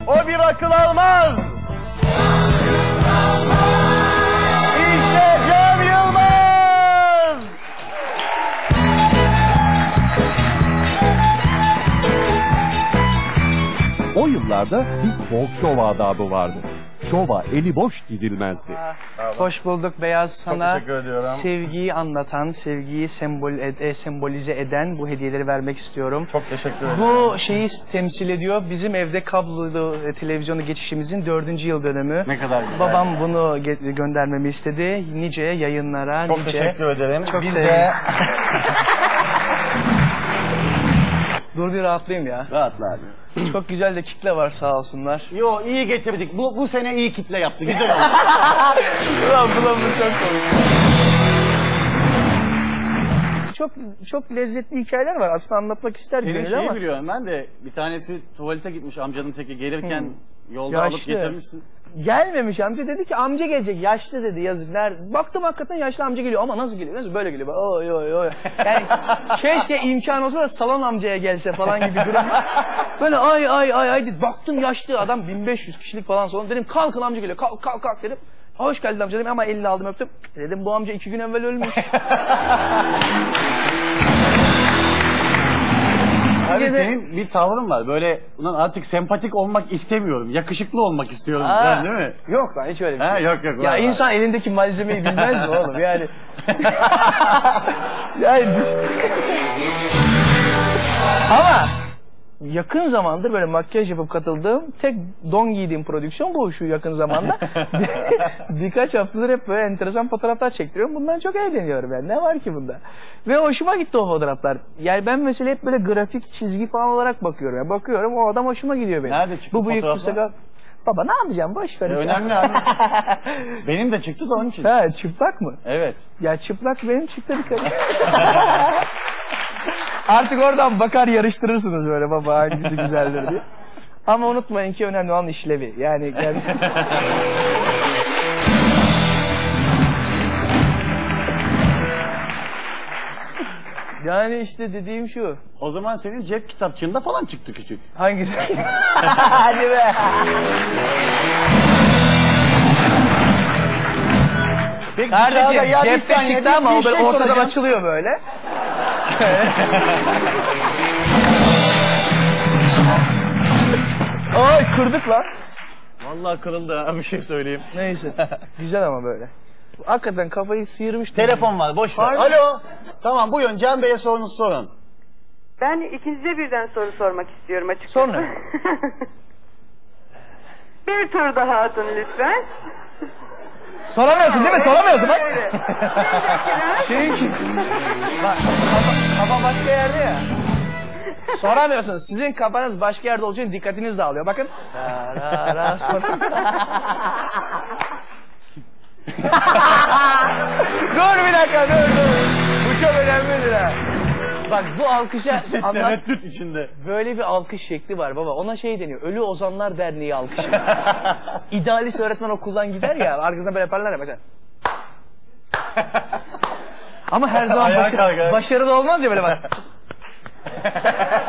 O bir akıl almaz. İşte Cem Yılmaz. O yıllarda bir talk show adabı vardı. Şova eli boş gidilmezdi. Hoş bulduk Beyaz, sana teşekkür ediyorum. sevgiyi anlatan, sevgiyi sembolize eden bu hediyeleri vermek istiyorum. Çok teşekkür ederim. Bu şeyi temsil ediyor. Bizim evde kablolu televizyonu geçişimizin 4. yıl dönümü. Ne kadar güzel. Babam bunu göndermemi istedi. Nice yayınlara, Çok nice... teşekkür ederim. Çok Biz sevdim. de... Dur bir rahatlayayım ya. Rahatla abi. Çok güzel de kitle var sağ olsunlar. Yo, iyi getirdik. Bu sene iyi kitle yaptı. Güzel oldu. Ulan bu çok komik. Çok lezzetli hikayeler var. Aslında anlatmak isterdim Senin ama. şeyi biliyorum ben de. Bir tanesi tuvalete gitmiş amcanın teki. Gelirken yolda Yaşlı. alıp getirmişsin. Gelmemiş amca, dedi ki amca gelecek, yaşlı dedi, yazık. Baktım hakikaten yaşlı amca geliyor ama nasıl geliyor? Nasıl böyle geliyor? Oy oy oy. Yani keşke imkan olsa da salon amcaya gelse falan gibi durum. Böyle ay dedi. Baktım yaşlı adam, 1500 kişilik falan salon. Dedim kalkın amca geliyor, kalk dedim. Hoş geldin amca dedim ama elini aldım öptüm. Dedim bu amca 2 gün evvel ölmüş. Abi senin bir tavrın var. Böyle ulan artık sempatik olmak istemiyorum. Yakışıklı olmak istiyorum. Değil mi? Yok lan hiç öyle bir şey. Yok. Ya var. insan elindeki malzemeyi bilmez mi oğlum yani? Yani ama yakın zamandır böyle makyaj yapıp katıldığım tek don giydiğim prodüksiyon bu şu yakın zamanda. Birkaç haftadır hep böyle enteresan fotoğraflar çektiriyorum. Bundan çok eğleniyorum yani. Ne var ki bunda? Ve hoşuma gitti o fotoğraflar. Yani ben mesela hep böyle grafik çizgi falan olarak bakıyorum. Yani bakıyorum o adam hoşuma gidiyor benim. Nerede çıktı bu bıyık, fotoğraflar? bu sakal. Baba ne yapacağım? Boş ver. Önemli abi. Benim de çıktı da onun için. Ha, çıplak mı? Evet. Ya çıplak benim çıktı dikkat. Artık oradan bakar yarıştırırsınız böyle baba hangisi güzeldir diye. Ama unutmayın ki önemli olan işlevi. Yani yani işte dediğim şu. O zaman senin cep kitapçığında falan çıktı küçük. Hangisi? Hadi be. Peki Kardeşim ya bir cepte saniye, çıktı ama o bir böyle şey ortadan soracağım. açılıyor böyle. Ay kırdık lan. Vallahi kırıldı ha, bir şey söyleyeyim. Neyse. Güzel ama böyle. Hakikaten kafayı sıyırmış. Telefon var, boş ver. Pardon. Alo. Tamam, buyurun Can Bey'e sorunuzu sorun. Ben ikinize birden soru sormak istiyorum açıkçası. Sonra. Bir tur daha atın lütfen. Soramıyorsun değil mi? Soramıyorsun bak. Evet. Çünkü bak kafa başka yerde ya. Soramıyorsunuz. Sizin kafanız başka yerde olduğu için dikkatiniz dağılıyor. Bakın. Dur bir dakika dur. Bu çok önemlidir ha. Bak bu alkışa anlat. Tereddüt içinde. Böyle bir alkış şekli var baba. Ona şey deniyor. Ölü Ozanlar Derneği alkışı. İdealist öğretmen okuldan gider ya. Arkasından böyle yaparlar ya mesela. Ama her zaman başarılı olmaz ya böyle bak.